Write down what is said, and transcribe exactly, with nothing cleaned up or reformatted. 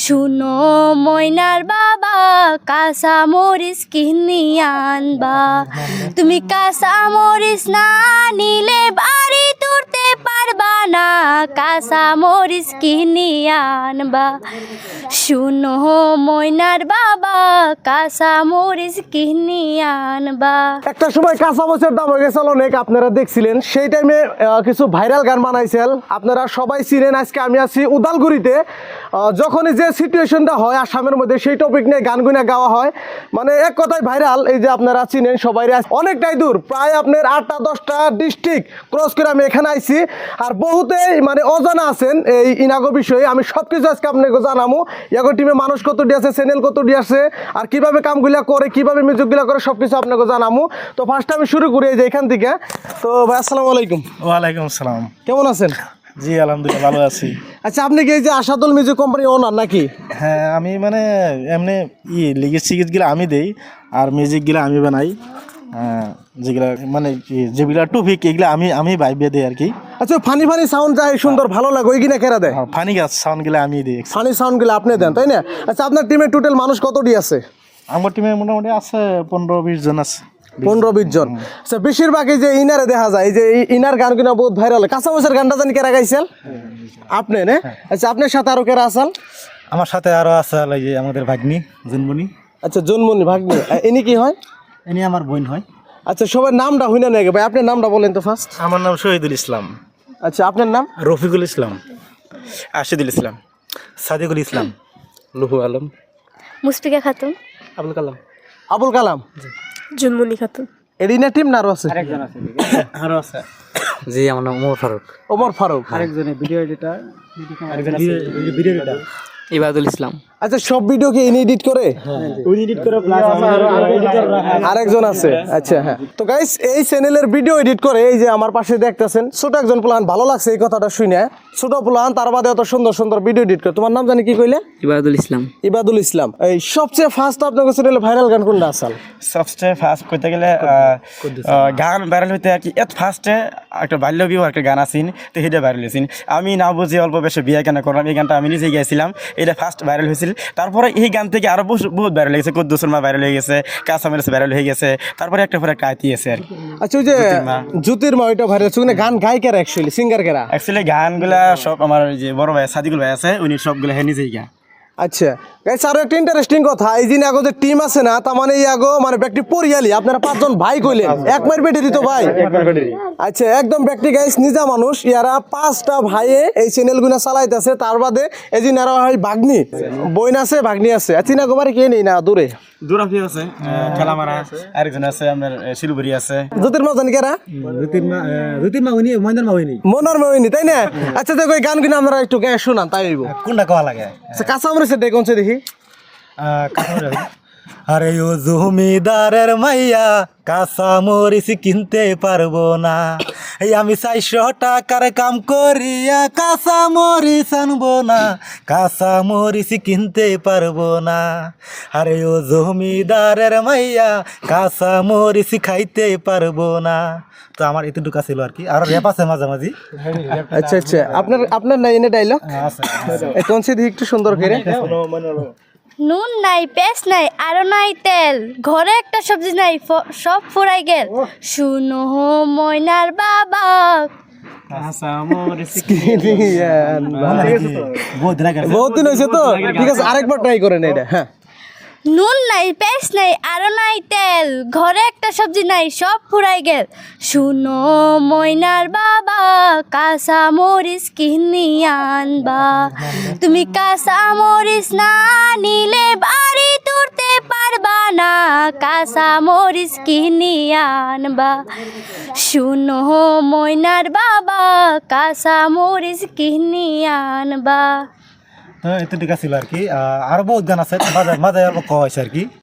শুনো ময়নার বাবা কাঁচা মরিচ কিনিয়া আনবা। তুমি কাঁচা মরিচ না নিলে বাড়ি তুলতে পারবা না, কাঁচা মরিচ কিনিয়া আনবা। শুনো ময়নার বাবা কাঁচা মরিচ কিনিয়া আনবা। একটা সময় কাঁচা মরিচের দাম হয়ে গেছিল অনেক, আপনারা দেখছিলেন সেই টাইমে কিছু ভাইরাল গান বানাইছেন, আপনারা সবাই চিনেন। আজকে আমি আছি উদালগুড়িতে, যখনই যে সিচুয়েশনটা হয় আসামের মধ্যে সেই টপিক নিয়ে গানগুনা গাওয়া হয়, মানে এক কথায় ভাইরাল। এই যে আপনারা চিনেন সবাই, অনেকটাই দূর, প্রায় আপনার আটটা দশটা ডিস্ট্রিক্ট ক্রস করে আমি এখানে আইছি। আর বহুতেই মানে অজানা আছেন এই ইনাগো বিষয়ে, আমি সব কিছু আজকে আপনাকে জানাবো। ইয়াগো টিমে মানুষ কত ডি আছে, চ্যানেল কত ডি আছে, আর কিভাবে কামগুলা করে, কিভাবে মিউজিকগুলা করে, সব কিছু আপনাকে জানাবো। তো ফার্স্ট আমি শুরু করি এই যে এখান থেকে। তো ভাই আসসালামু আলাইকুম। ওয়ালাইকুম আসসালাম। কেমন আছেন? জি আলহামদুলিল্লাহ ভালো আছি। আচ্ছা, আপনি কি এই যে আশাদুল মিউজিক কোম্পানি ওনার নাকি? হ্যাঁ, আমি মানে এমনি ই লিগের সিগিজগুলো আমি দেই, আর মিউজিকগুলো আমি বানাই। হ্যাঁ, যেগুলা মানে যেগুলা টপিক এগুলো আমি আমি ভাইবে দিই আর কি। আচ্ছা, ফানি ফানি সাউন্ড যায় সুন্দর ভালো লাগে, ওই কিনা কেরা দেয়? ফানি গাছ সাউন্ডগুলো আমি দিই। ফানি সাউন্ডগুলো আপনি দেন, তাই না? আচ্ছা, আপনার টিমে টোটাল মানুষ কতটি আছে? আমার টিমে মোটামুটি আছে পনেরো বিশ জন আছে। পনেরো বিশ জন। আচ্ছা, বেশিরভাগই যে ইনারে দেখা যায়, এই যে ইনার গান কিনা বহুত ভাইরাল। কাঁচা মরিচের গানটা জানি কেরা গাইছেন? আপনি না? আচ্ছা, আপনার সাথে আরো কেরা আছেন? আমার সাথে আরো আছে এই যে আমাদের ভাগ্নি জুনমণি। আচ্ছা, জন্মনি ভাগ্নি, ইনি কি হয়? ইনি আমার বোন হয়। আচ্ছা, সবার নামটা হই না নাকি ভাই? আপনার নামটা বলেন তো ফার্স্ট। আমার নাম শহীদুল ইসলাম। আচ্ছা, আপনার নাম? রফিকুল ইসলাম, আশিদুল ইসলাম, সাদিকুল ইসলাম, লুহু আলম, মুশফিকা খাতুন, আবুল কালাম। আবুল কালাম, জুনমনি খাতুন। এরিনা টিম না আরো আছে? আরো আছে। জি, আমার নাম ওমর ফারুক। ওমর ফারুক। আরেকজনে ভিডিও এডিটর, আরেকজন ভিডিও এডিটর ইবাদুল ইসলাম। আচ্ছা, সব ভিডিও কি ইনি এডিট করে? উনি এডিট করে প্লাস আরেকজন আছে। আচ্ছা, হ্যাঁ। তো গাইস, এই চ্যানেলের ভিডিও এডিট করে এই যে আমার পাশে দেখতেছেন ছোট একজন প্লান। ভালো লাগছে এই কথাটা শুনে, ছোট প্লান তার বাদে এত সুন্দর সুন্দর ভিডিও এডিট করে। তোমার নাম জানি কি কইলে? ইবাদুল ইসলাম। ইবাদুল ইসলাম। এই সবচেয়ে ফার্স্ট আপনার চ্যানেলে ভাইরাল গান কোনটা আসাল? সবচেয়ে ফার্স্ট করতে গেলে গান ভাইরাল হইতে আর কি এত ফার্স্টে একটা বাল্য বিবাহ একটা গান আসিন, তো সেটা ভাইরাল হয়েছিল। আমি না বুঝি অল্প বেশি বিয়ে কেন করলাম, এই গানটা আমি নিজে গিয়েছিলাম, এটা ফার্স্ট ভাইরাল হয়েছিল। তারপরে এই গান থেকে আরো বহুত ভাইরাল হয়ে গেছে, কুদ্দুস মা ভাইরাল হয়ে গেছে, কাঁচা মরিচ ভাইরাল হয়ে গেছে, তারপরে একটা পরে একটা আইতি আছে আর কি। আচ্ছা, ওই যে জ্যোতির্মা, ওইটা ভাইরাল হচ্ছে। গান গায় কারা অ্যাকচুয়ালি, সিঙ্গার কারা? অ্যাকচুয়ালি গানগুলা সব আমার যে বড় ভাই সাদিকুল ভাই আছে, উনি সবগুলো হ্যাঁ নিজেই গান। আচ্ছা গাইস, আরো একটা ইন্টারেস্টিং কথা, এই যে আগো যে টিম আছে না, তার মানে এই আগো মানে ব্যক্তি পরিয়ালি আপনারা পাঁচজন ভাই কইলেন, এক মার বেটে দিত ভাই। আচ্ছা, একদম ব্যক্তি গাইস নিজা মানুষ, ইয়ারা পাঁচটা ভাইয়ে এই চ্যানেল গুনা চালাইতেছে। তার বাদে এই যে নারা হয় ভাগ্নি, বইন আছে, ভাগ্নি আছে। আচ্ছা, না গোবারে কে নেই না দূরে দুরাফি আছে, ঠেলামারা, আরেকজন আছে আপনার শিলুবুরি আছে। জ্যোতির্মা জানি কেরা? মনার মহিনী, তাই না? আচ্ছা, দেখো এই গানগুলো আমরা একটু গায়ে শোনান, তাই হইব। কোনটা কোয়া লাগে? আচ্ছা, কাঁচা মরিচের ডে কোনছে দেখি। আরে ও জমিদারের মাইয়া কাঁচা মরিচ কিনতে পারবো না, এই আমি চারশো টাকার কাম করিয়া কাঁচা মরিচ আনবো না, কাঁচা মরিচ কিনতে পারবো না। আরে ও জমিদারের মাইয়া কাঁচা মরিচ খাইতে পারবো না। তো আমার এতটুকু ছিল আর কি, আর র্যাপ আছে মাঝামাঝি। আচ্ছা আচ্ছা, আপনার আপনার নাই এনে ডায়লগ কোনছে দেখি একটু সুন্দর করে। নুন নাই, পেঁয়াজ নাই, আরো নাই তেল, ঘরে একটা সবজি নাই, ফ- সব ফুরাই গেল। শুনো ময়নার বাবা। বহুত দিন হয়েছে তো, ঠিক আছে, আরেকবার ট্রাই করেন এটা। হ্যাঁ, নুন নাই, পেঁয়াজ নাই, আরো নাই তেল, ঘরে একটা সবজি নাই, সব ফুরাই গেল। শুনো ময়নার বাবা কাঁচা মরিচ কিনিয়া আনবা। তুমি কাঁচা মরিচ না নিলে বাড়ি তুলতে পারবা না, কাঁচা মরিচ কিনিয়া আনবা। শুনো ময়নার বাবা কাঁচা মরিচ কিনিয়া আনবা। এতটুকু ছিল আর কি, আরো বহুত গান আছে মাঝে মাঝে অল্প কওয়া হয়েছে আর কি।